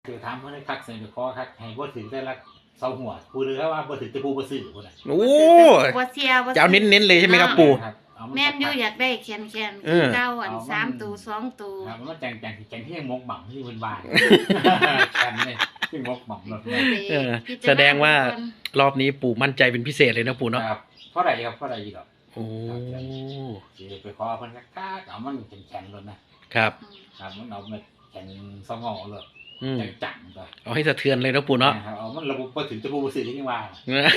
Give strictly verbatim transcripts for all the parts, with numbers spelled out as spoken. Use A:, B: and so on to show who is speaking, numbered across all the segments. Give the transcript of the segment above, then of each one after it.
A: คือถามเพิ่นให้คักใส่ไปขอคักให้บ่ถึงแต่ละเสาหัวผู้หรือว่าบ่ถึงแต่ผู้บ่ซื้อพุ่นน่ะ
B: โอ้
C: บ่เสียบ่
B: จะเอาเน้นๆเลยใช่ไหมครับปู่
C: แม่นอยู่อยากได้แคนๆคือเก่าอันสามตัวสองตัว
A: ครับมันจังจังจังที่หมกหม่ำที่เพิ่นว่ากันนี่ที่หมกหม่ำรถแม่
B: เออแสดงว่ารอบนี้ปู่มั่นใจเป็นพิเศษเลยนะปู่เนาะ
A: ครับเพราะใดครับเพราะใดอีดอก
B: โอ้
A: สิไปขอเพิ่นคักๆเอามันแข็งๆรถนะครับครับมันเอามาแข็งซองงอรถจังๆก็
B: เอาให้สะเทือนเลยนะปู่เนาะ
A: เอามันระบบบ่ถึงจะผู้บ่ซื้อที่ว่า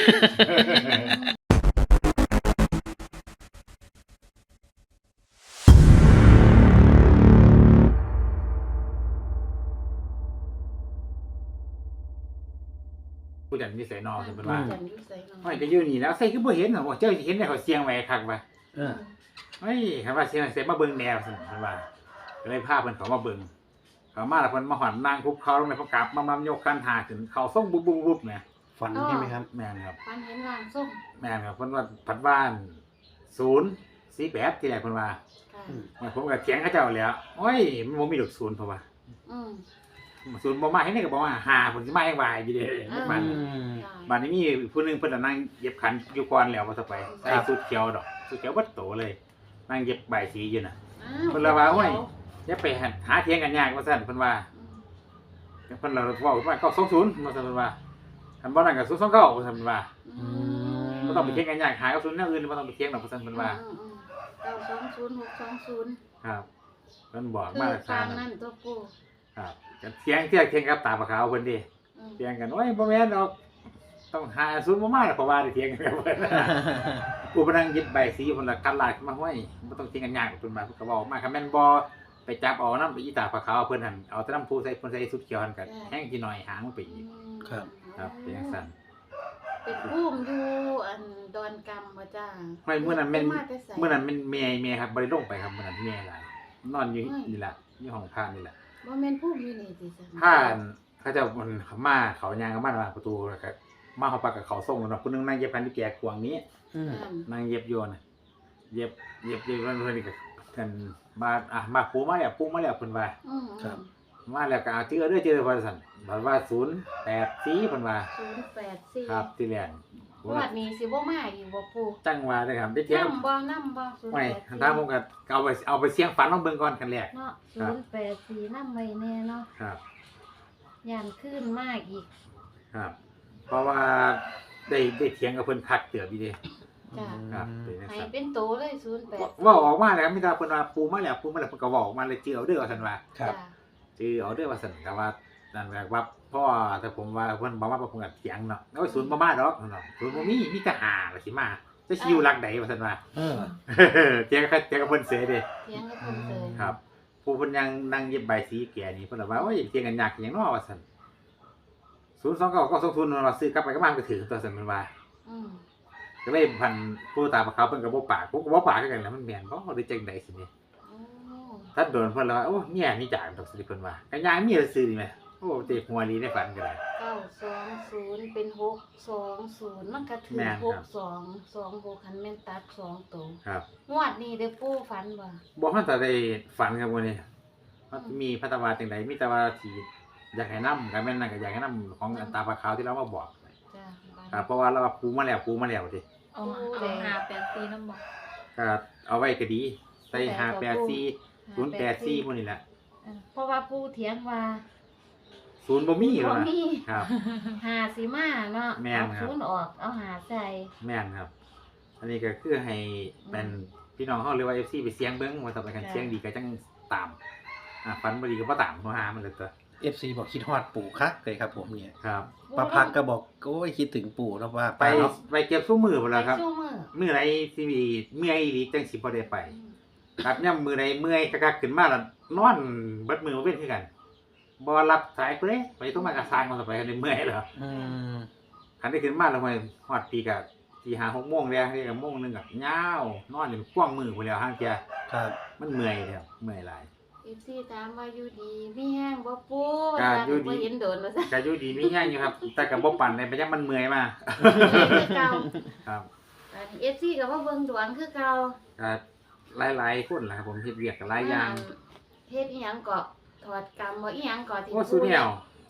A: ผู้จัดมีใส่นอเพิ่นว่าห้อยก็อยู่นี่แล้วใส่คือบ่เห็นน่ะบ่เจ้าเห็นได้เขาเสียงไว้คักว่าเออเฮ้ยคันว่าเสียงใส่มาเบิ่งแนวซั่นเพิ่นว่าก็เลยพาเพิ่นเข้ามาเบิ่งเข้ามาแล้วเพิ่นมาหอนนางคุกเขาลงในพระกราบมามายกคันหาขึ้นเข้าส่งบุบๆๆเนี่ย
B: ฝันใช่มั้ยครับ
A: แม่นครับ
C: ฝันเห็นร่างทรง
A: แม่นครับเพิ่นว่าผัดบ้านศูนย์สี่แปดที่แรกเพิ่นว่าค่ะผมก็เถียงเขาเจ้าแล้วโอ้ยมันบ่มีดอกศูนย์เพราะว่าอืมศูนย์บ่มาให้นี่ก็บอกว่าหาเพิ่นสิมาให้วายอยู่เด้มันบัดนี้มีผู้นึงเพิ่นนั่งเย็บขันอยู่ก่อนแล้วว่าซะไปใส่ชุดเขียวดอกชุดเขียวเบิดโตเลยนั่งเย็บใบสีอยู่น่ะเพิ่นละว่าโอ้ยอย่าไปหาเถียงกันยากว่าซั่นเพิ่นว่าเพิ่นละเว้าว่าเก้าสองศูนย์ว่าซั่นเพิ่นว่าคันบ่นั่นก็ศูนย์สองเก้าว่าซั่นเพิ่นว่าอืมบ่ต้องไปเถียงกันยากหากับศูนย์แนวอื่นบ่ต้องไปเถียงดอกว่าซั่นเพิ่นว่า
C: เก้าสองศูนย์ หกสองศูนย์
A: ครับเพิ่นบอกมาทาง
C: นั้นตัวปู่
A: ครับก็เถียงเถียงเถียงกับตาปลาขาวเพิ่นดิเถียงกันโอ้ยบ่แม่นดอกต้องหาศูนย์บ่มาเพราะว่าได้เถียงกันกับเพิ่นกูบ่นั่งยึดใบสีเพิ่นละกัดลายขึ้นมาห้วยบ่ต้องเถียงกันยากเพิ่นว่าเพิ่นก็เว้ามาคันแม่นบ่ไปจับเอานำไปอีตาปลาขาวเพิ่นหั่นเอาแต่น้ำผู้ใส่เพิ่นใส่สุดเขียวหั่นก็แห้งสิหน่อยหางมันไปอีก
B: ครับ
A: ครับเป็นจังซั่น
C: เป็นภูมิอยู่อันดอนกำบ่จ้า
A: ห้วยมื้อนั้นแม่นมื้อนั้นแม่นแม่แม่ครับบ่ได้ลงไปครับมื้อนั้นแม่หลายนอนอยู่นี่ล่ะอยู่ห้องพระนี่ล่ะ
C: บ่แม่นภูมิอยู่นี่ติซั่น
A: พานเขาเจ้ามันมาเขายางกับมันว่าประตูแล้วก็มาเฮาปากกับเขาส่งเนาะผู้นึงนั่งเย็บพันที่แก่กวางนี้อืมนั่งเย็บอยู่น่ะเย็บเย็บอยู่เพิ่นนี่ก็กันมาอ่ะมาปูมาแล้วปูมาแล้วเพิ่นว่าครับมาแล้วก็เอาเจอเด้อเจอว่าซั่นบัดว่าศูนย์แปดสี่เพิ่นว่า
C: ศูนย์แปดสี่
A: ครับที่แรก
C: งวดนี้สิบ่มาอีกบ่ปู่
A: จังว่าเด้อครับได้เที่ยวน
C: ำบ่นำบ่ศูนย์แปดสี่
A: ไม่ถ้าผมก็เอาไปเอาไปเสี่ยงฝันลองเบิ่งก่อนกันแรก
C: เนาะศูนย์แปดสี่นำไว้แน่เนาะ
A: ครับ
C: ย่านขึ้นมากอีก
A: ครับเพราะว่าได้ได้เถียงกับเพิ่นคักเตือบอีเด้
C: จ้ะ
A: ครับเป็นจัง
C: ซั่นให้เป็นโตเลยศูนย์แปด
A: เว้าออกมาแล้วมีแต่เพิ่นว่าปูมาแล้วปูมาแล้วเพิ่นก็เว้าออกมาเลยจื้อเอาเด้อว่าซั่นว่า
B: ครับ
A: จื้อเอาเด้อว่าซั่นก็ว่านั่นแหละว่าพ่อแต่ผมว่าเพิ่นบ่มาเพิ่นก็เถียงเนาะโอ้ยศูนย์บ่มาดอกเนาะศูนย์บ่มีมีแต่ห้าว่าสิมาจะสิอยู่หลักใดว่าซั่นว่าเออเถียงกับเถียงกับเพิ่นเสียเด้
C: เถียงกับเพิ่นเสีย
A: ครับผู้เพิ่นยังนั่งเย็บใบสีแก่นี่เพิ่นว่าโอ้ยเถียงกันยากหยังเนาะว่าซั่นศูนย์สองเก้าก็สองศูนย์เราซื้อกลับไปกลับมาก็ถือตัวซั่นเพิ่นว่าอืมก็เลยพันผู้ตาปลาขาวเพิ่นก็บ่ปากผมก็บ่ปากคือกันแล้วมันแม่นบ่ได้จังได๋สินี่ถ้าโดนเพิ่นแล้วโอ้เมียนี่จากดอกสิเพิ่นว่าก็ย่างเมียซื่อนี่แหมโอ้เตะหัวลีในฝันก็ได้
C: เก้าสองศูนย์เป็นหกสองศูนย์มันก็ถือหกสอง สองหกคันแม่นตัดสองตัว
A: ครับ
C: งวดนี้ได้ปู่ฝันบ่
A: บ่ทันได้ฝันครับมื้อนี้มันมีพัฒนาจังได๋มีแต่ว่าที่อยากให้นำก็แม่นนั่นก็อยากให้นำของตาปลาขาวที่เรามาบอกจ้ะครับเพราะว่าเราปูมาแล้วปูมาแล้วติ
D: เอาเอาห้าแปดสี่นำบ่
A: ก็เอาไว้ก็ดีใส่ห้าแปดสี่ ศูนย์แปดสี่พวกนี้แหละ
C: เพราะว่าปู่เถียงว่า
A: ศูนย์บ่มี
C: บ่มี
A: ครับ
C: ห้าสิมาเนาะเอาศูนย์ออกเอาห้าใส่
A: แม่นครับอันนี้ก็คือให้เป็นพี่น้องเฮาเรียกว่า เอฟ ซี ไปเสียงเบิ่งว่าต่อไปกันเสียงดีก็จังตามอ่าฝันบ่ดีก็บ่ตามบ่หามันเลยตัว
B: เอฟ ซี บอกคิดฮอดปู่คักเลยครับผมเนี่ย
A: ครับ
B: ป้าพักก็บอกโอ้ยคิดถึงปู่แล้วว่า
A: ไปไปเก็บซุมื้อพุ่นล่ะครับมื้อใดสิมีเมื่อยอีหลีจังสิบ่ได้ไปครับย่ำมื้อใดเมื่อยคักๆขึ้นมาแล้วนอนเบิดมื้อบ่เป็นคือกันบ่รับสายเพิ่นเด้ไปโทรมากระซางมันไปได้เมื่อยแล้วอืมคันได้ขึ้นมาแล้วห้อยฮอดปีก็สี่ ห้า หกโมงแล้วนี่ก็โมงนึงก็ยาวนอนจนควงมือพุ่นแล้วห่างเที่ยครับมันเมื่อยแล้วเมื่อยหลาย
C: เอฟ ซี ถามว่าอยู่ดีมีแห้งบ่ปู่ว่าซั่นบ่เห็นโดนว่าซั่น
A: ก็อยู่ดีมีแห้งอยู่ครับแต่ก็บ่ปานใดไปยังมันเมื่อยมา
C: คือเก่า
A: ครับ
C: อัน เอฟ ซี ก็บ่เบิ่งดวงคือเก่า
A: ก็หลายๆคนล่ะครับผมเฮ็ดเวียกก็หลายอย่าง
C: เฮ็ดอีหยังก็ถอดกรรมบ่อีหยังก็ที่
A: โอ้สุแนว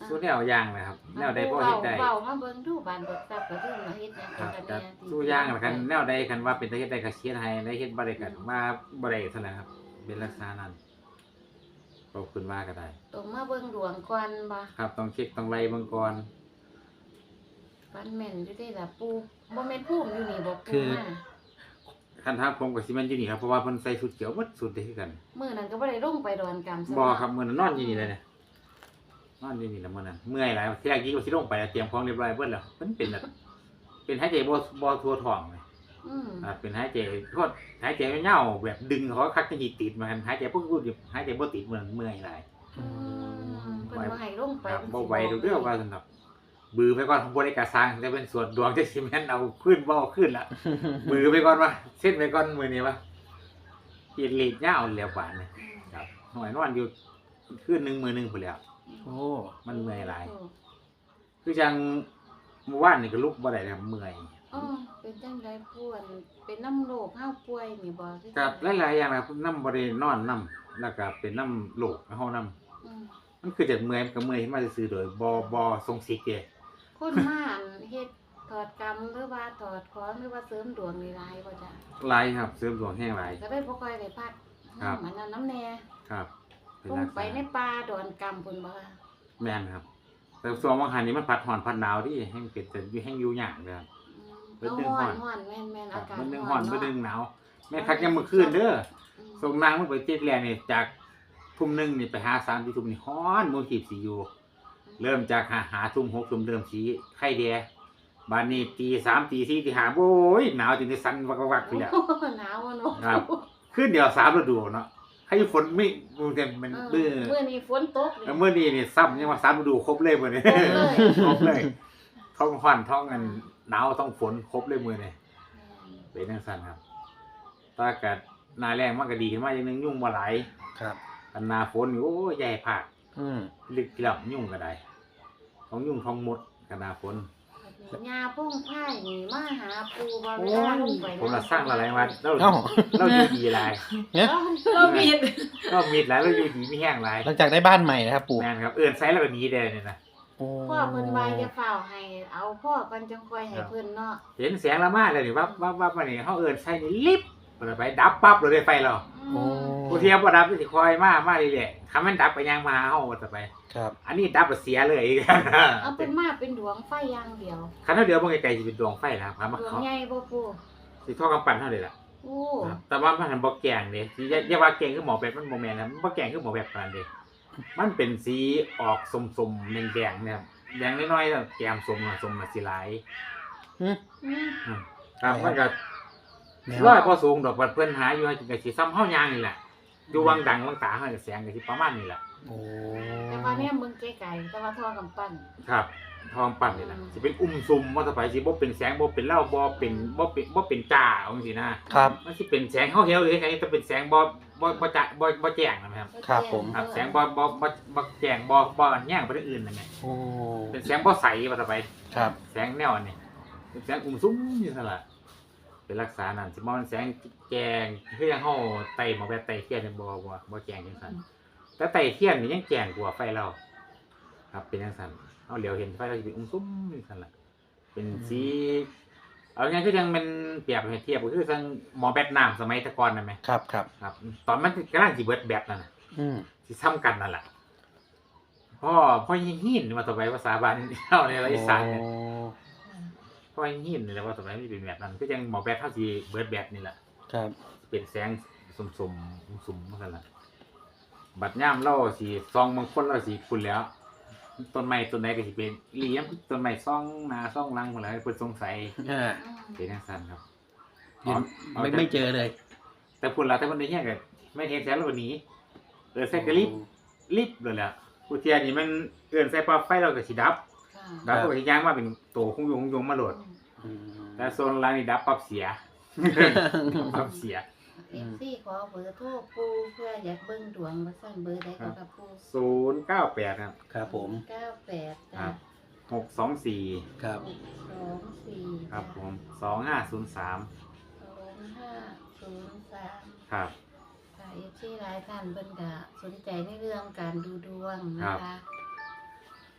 A: สู้แนวอย่างนะครับแนวใดพอ
C: เบา
A: เฮ็ดได้
C: เบามาเบิ่งดูบ้านเบิกทรัพย์ก็คือมาเฮ็ดหยัง
A: ครั
C: กับ น
A: แต่
C: แน่
A: สู้อย่างละกันแนวใดคันว่าเป็นตาเฮ็ดได้ก็เชียร์ให้ได้เฮ็ดบ่ได้กันว่าบ่ได้เท่านั้นครับ เป็นลักษณะนั้นขอบคุณว่าก็ได้
C: ต้องมาเบิ่งดวงก่อนบ่
A: ครับต้องเช็คต้องไล่เบิ่งก่อน
C: ฟันแม่นอยู่ได้ล่ะปู่บ่แม่นภูมิอยู่นี่บ่
B: คื
C: ปู่
B: อ
C: มา
A: คันทางผมก็สิแม่นอยู่นี่ครับเพราะว่าเพิ่นใส่ชุดเขียวหมดสุดได้คือกัน
C: มื้อนั้นก็บ่ได้ลงไปดอนกำซะ
A: บ่ครับมื้อนั้นนอนอยู่นี่เลยเนี่ยนอนอยู่นี่แล้วมื้อนั้นเมื่อยหลายที่แรกกี้ก็สิลงไปแล้วเตรียมของเรียบร้อยเบิดแล้วมันเป็นแบบเป็นหายใจบ่บ่ทั่วท้องเลย
C: อืม
A: อ่าเป็นหายใจโทษหายใจไม่เหงาแบบดึงเขาคักจะติดมากันหายใจพวกกูหายใจบ่ติดเหมือนเมื่อยหลาย
C: อืมเพิ่นบ่ให้ลงไป
A: ครับ
C: เพิ่น
A: บ่
C: สิ
A: ไหวดูเรื่องว่าสำหรับบือไปก่อนบ่ได้กระซังจะเป็นส่วนดวงจะสิแม่นเอาขึ้นบ่เอาขึ้นละ มือไปก่อนว่าเส้นไปก่อนมือนี้ว่าขีดหลีดยาวแล้วบาดนี่ครับหน่อยนอนอยู่คืนหนึงมื้อหนึงพุ่นแล้ว
B: โอ้
A: มันเมื่อยหลาย คือจังเมื่อวานนี่ก็ลุกบ่ได้แล้วเมื่อย
C: อ๋อเป็นจังไดป่วนเป็นน้ำโรคเฮาป่วยนี่บ่คือ
A: กับหลายๆอย่างนะครับน้ำบ่ได้นอนน้ำแล้วก็เป็นน้ำโรคเฮาน้ำ
C: อืม
A: มันคือจากเมื่อยมันก็เมื่อยขึ้นมาซื่อๆโดยบ่บ่ทรงสิกเด้
C: คนมาอันเฮ็ดถอดกรรมหรือว่าถอดของหรือว่าเสริมดวงนี่หลายบ่จ้ะ
A: หลายครับเสริมดวงแห้งหลาย
C: ก็ได้บ่ค่อยได้พัก
A: ครับ
C: มันนั้นน้ำแน่
A: ครับเป็น
C: ลง
A: ลักษ
C: ไปใน
A: ณะ
C: ป่าดอนกำพุ่นบ่คะ
A: แม่นครับ แต่ส่วนบางหันนี่มันพัดหอนพัดหนาวดิแห้งเป็นแต่อยู่แห้งอยู่ยากเลยครับ
C: อืม
A: เบิ่
C: เอา
A: งเรื่อง
C: ฮ้อ
A: ฮ้อน น
C: ฮ้อนแม่นแม่น
A: ครั
C: อา
A: บ
C: กาศ
A: มันนึง
C: ฮ้
A: ฮ้
C: อ
A: อน นมัน
C: เนาะ
A: นึงหนาวแม่คักยังมื้อคืนเด้อ
C: อืม
A: ส่งนางมันไปติดแลนี่จากทุ่มหนึงนี่ไปหาสามที่ทุ่มนี่ฮ้อนมื้อขีบสิอยู่ เริ่มจากหาหาทุ่มหกทุ่มเริ่มสีไข่แดงบานนี้ตีสามตีสี่ตีห้าโอ้ยหนาวจนได้สั่นวักๆๆไปแล้ว
C: โอ้โหหนาวอะเนาะ
A: ครับ ขึ้นเดียวสามฤดูเนาะให้ฝนไม่ดูเต็มมัน
C: เอ
A: เบื่อ
C: อมื้อนี้ฝนตก
A: แล้วเมื่อนี้นี่ซ้ำยังว่าสามฤดูครบเลยมื้อนี้
C: ครบเลย
A: ครบเลยท้องร้อนท้องอันหนาวท้องฝนครบเลยมื้อนี้เป็นจังซั่นครับถ้าอากาศหน้าแรงมันก็ดีขึ้นมาอย่างนึงยุ่งบ่หลาย
B: ครับ
A: อันหน้าฝนนี่โอ้ยใหญ่ภาค
B: อืม
A: ลึกแล้วยุ่งก็ได้ท้องยุ่งท้องมดกับหน้าฝน
C: ยาพุ่งไผ่นี่มาหาปูบ่เว
A: โอ้
C: ลาย ลงไป
A: ผมละสร้างละหลายวันเรา
B: เอ้า
A: เราอยู่ดีหลาย
B: เนี่ย
D: เราผิด
A: เรามีดหลายเราอยู่ดีมีแห้งหลาย
B: หลังจากได้บ้านใหม่นะครับปู่
A: แม่นครับเอื้อนไซส์แล้วก็หนีได้เนี่ยนะ
B: โอ้
C: พ่อเพิ่นว่าอย่าฝ้าวให้เอาพ่อก่อนจังค่อยให้เพิ่นเนาะ
A: เห็นแสงละมาเลยนี่วับวับวับมานี่เขาเอินใช่นี่ลิบเปิดไปดับปั๊บเลยได้ไฟเรา
B: โอ้
A: ผู้เทียบว่าดับสิคอยมามาเรื่อยๆคำมันดับไปยังมาเฮาว่าจะไป
B: ครับ
A: อันนี้ดับแล้วเสียเลย
C: เอาเป็นมาเป็นดวงไฟอย่างเดียว
A: คันเท่าเดียวมันไกลๆสิเป็นดวงไฟนะครับครับมา
C: ดวง
A: เขา
C: ใหญ่บ่ปู
A: สิท่อกำปั้นเท่าเลยล่ะ
C: โอ้
A: ครับแต่ว่ามันหันบ่แกงเด้สิอย่าอย่าว่าแกงคือหมอแบบมันบ่แม่นนะมันบ่แกงคือหมอแบบปานนั้นเด้มันเป็นสีออกส้มๆแดงๆนะครับแดงน้อยๆแล้วแกมส้มอะส้มน่ะสิหลาย
C: อืม
A: ครับมันก็
B: แนว
A: ร้อยพอสูงดอกบัดเพิ่นหาอยู่ให้จังได๋สิซ้ำเฮายางนี่แหละอยู่วังดังวังตาเฮาก็แสงก็สิประมาณนี้แหละ
B: โอ้
C: แต่ว่าเนี่ยมึงไกลๆแต่ว่าทอกำปั้น
A: ครับทองปั่นนี่แหละสิเป็นอุ้มซุมว่าสบายสิบ่เป็นแสงบ่เป็นเหล้าบ่เป็นบ่เป็นบ่เป็นจ้าเอาจังซี่นะครับ มันสิเป็นแสงเฮาเหี่ยวหรือไงจะเป็นแสงบ่บ่บ่จะบ่บ่แจ้งนะครับ
B: ครับผม
A: ครับแสงบ่บ่บ่บ่แจ้งบ่บ่อันแย่งไปทางอื่นนั่นแหละ
B: โอ้
A: เป็นแสงบ่ใสว่าสบาย
B: ครับ
A: แสงแนวอันนี้เป็นแสงอุ้มซุมอยู่ซั่นล่ะเป็นลักษณะนั้นสิบ่มันแสงแจ้งคือยังเฮาไต่หมอแบบไต่เทียนนี่บ่บ่บ่แจ้งจังซั่นแต่ไต่เทียนนี่ยังแจ้งกว่าไฟเราครับเป็นจังซั่นเฮาเหลียวเห็นไฟเราสิเป็นอุ้มซุมอยู่ซั่นล่ะเป็นสีเอาง่ายๆคือยังมันเปรียบให้เทียบก็คือจังหมอแบตน้ำสมัยแตะก่อนนั่นแหม
B: ครับครับ
A: ครับ ตอนมันกำลังสิเบิดแบตนั่นน่ะ
B: อืม
A: สิซ้ำกันนั่นแหละพ่อพ่อยิงหินมาต่อไปภาษาบ้านเฮาในอีสานเนี่ย
B: โอ้
A: พ่อยิงหินนี่แหละว่าต่อไปมันเป็นแบบนั้นคือจังหมอแบตเฮาสิเบิดแบตนี่แหละ
B: ครับ
A: เป็นแสงสุ่มๆสุ่มๆนั่นแหละบัดย่ามเราสิซองบางคนเราสิคุณแล้ว ต้นไม้ต้นไหนก็สิเป็นอีหลียมต้นไม้ซ่องหนาซ่องหลังหมดแล้วเพิ่นสงสัย
B: อ่า
A: เป็นจังซั่นครับ
B: เห็นไม่ไม่เจอเลย
A: แต่พูดแล้วแต่เพิ่นได้เฮียก็ไม่เห็นแสงแล้วนี้เออใส่กระลิบลิบเลยแหละผู้เทียนี่มันเอื้อนใส่ปลั๊กไฟเราก็สิดับ
C: ค่ะ
A: ดับก็สิย่างมาเป็นโตคงยงคงยงมาโหลด
B: อืม
A: แต่โซนหลังนี่ดับปั๊บเสีย ปั๊บเสีย
C: เอฟซีขอเบอร์โทรปูเพื่ออยากเบิ่งดวงว่าสั่นเบอร์ใดก็กับปู
A: ศูนย์เก้าแปดครับ
B: ครับผม
C: เก้าแปด
A: ค
C: จ้ะ
A: รับหกสองสี่
B: ครับ
C: สองสี่
A: ครับผมสองห้าศูนย์สาม
C: สองห้าศูนย์สาม
A: ครับ
C: ค่ะเอฟซีหลายท่านเพิ่นก็สนใจในเรื่องการดูดวงนะคะ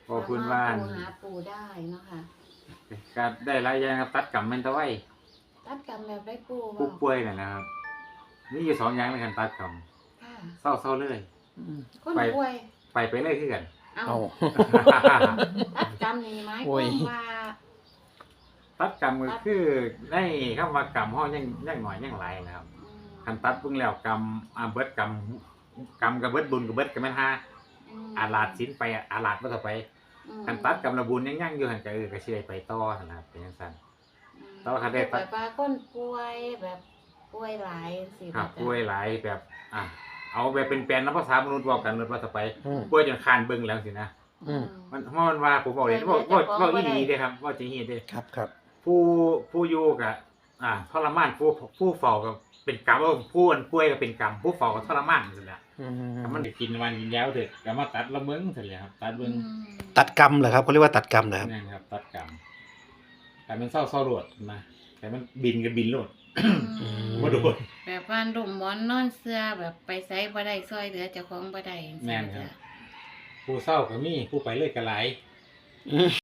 A: พอคุณว่า
C: สมรถโทรหาปู่ได้เนาะค่ะ
A: ก็ได้หลายอย่างครับตัดกรรมแม่นตะไว้
C: ตัดกรรมแบบได้ปู่
A: ผู้
C: บ่
A: ป่วยน่ะนะครับมีอยู่สองอย่างในการตัดกรรม
C: ค่ะ
A: เศร้าเศร้าเลย
C: คน
A: ไป
C: ป่วย
A: ไปไปเลยคือกัน
C: เอา
B: เอา
C: ตัดกรรมนี่หมายค
B: โอ้
C: วาย มว่า
A: ตัดกรรมก็คือในคำว่ากรรมห้อยังยังหน่อยยังหลายนะครับ
C: อืม
A: คันตัดเพิ่งแล้วกรรมอาเบิดกรรมกรรมกับเบิดบุญกับเบิดกันแม่นฮา
C: ม
A: อาลาดสินไปอาลาดบ่ต่อไป
C: อืม
A: คันตัดกรรมระบุญยังยังอยู่หั่นก็เออก็สิได้ไปต่อหั่นนะครับเป็นจังซั่น
C: อืม
A: แต่ว่าคันได้ตัด
C: แบบว่าคนป่วยแบบป่วยหลายสิ
A: ครับ
C: จ้ะ
A: ป่วยหลายแบบอ่ะเอาแบบเป็นแปลนน้ำภาษามนุษย์บอกกันเลยว่าต่อไป
B: อืม
A: ป่วยจนคานเบิ่งแล้วสินะ
B: อืม
A: มันเพราะมันว่าผมบอกเลยว่าว่าว่าอีหลีเด้ครับว่าจริงๆเด้
B: ครับครับ
A: ผู้ผู้อยู่กับอ่าทรมานผู้ผู้เฝ้ากับเป็นกรรมว่าผู้อันป่วยก็เป็นกรรมผู้เฝ้าก็ทรมานนั่นแหละ
B: อืม
A: ถ้ามันได้กินวันยาวเถอะก็มาตัดละเมิงเสร็จแล้วครับตัดเบิ่ง
C: อืม
B: ตัดกรรมเหรอครับเขาเรียกว่าตัดกรรมเหรอครับ
A: นั่นครับตัดกรรมแต่มันเศร้าเศร้าโลดนะแต่มันบินก็บินโลด
C: อืม
A: บ่โดน
C: แบบว่าดุมหมอนนอนเสื้อแบบไปไสบ่ได้ซอยเหลือเจ้าของบ่ได้จังซี้
A: แม่นครับ
C: จ้ะ
A: ผู้เศร้าก็มีผู้ไปเลยก็หลาย
B: อืม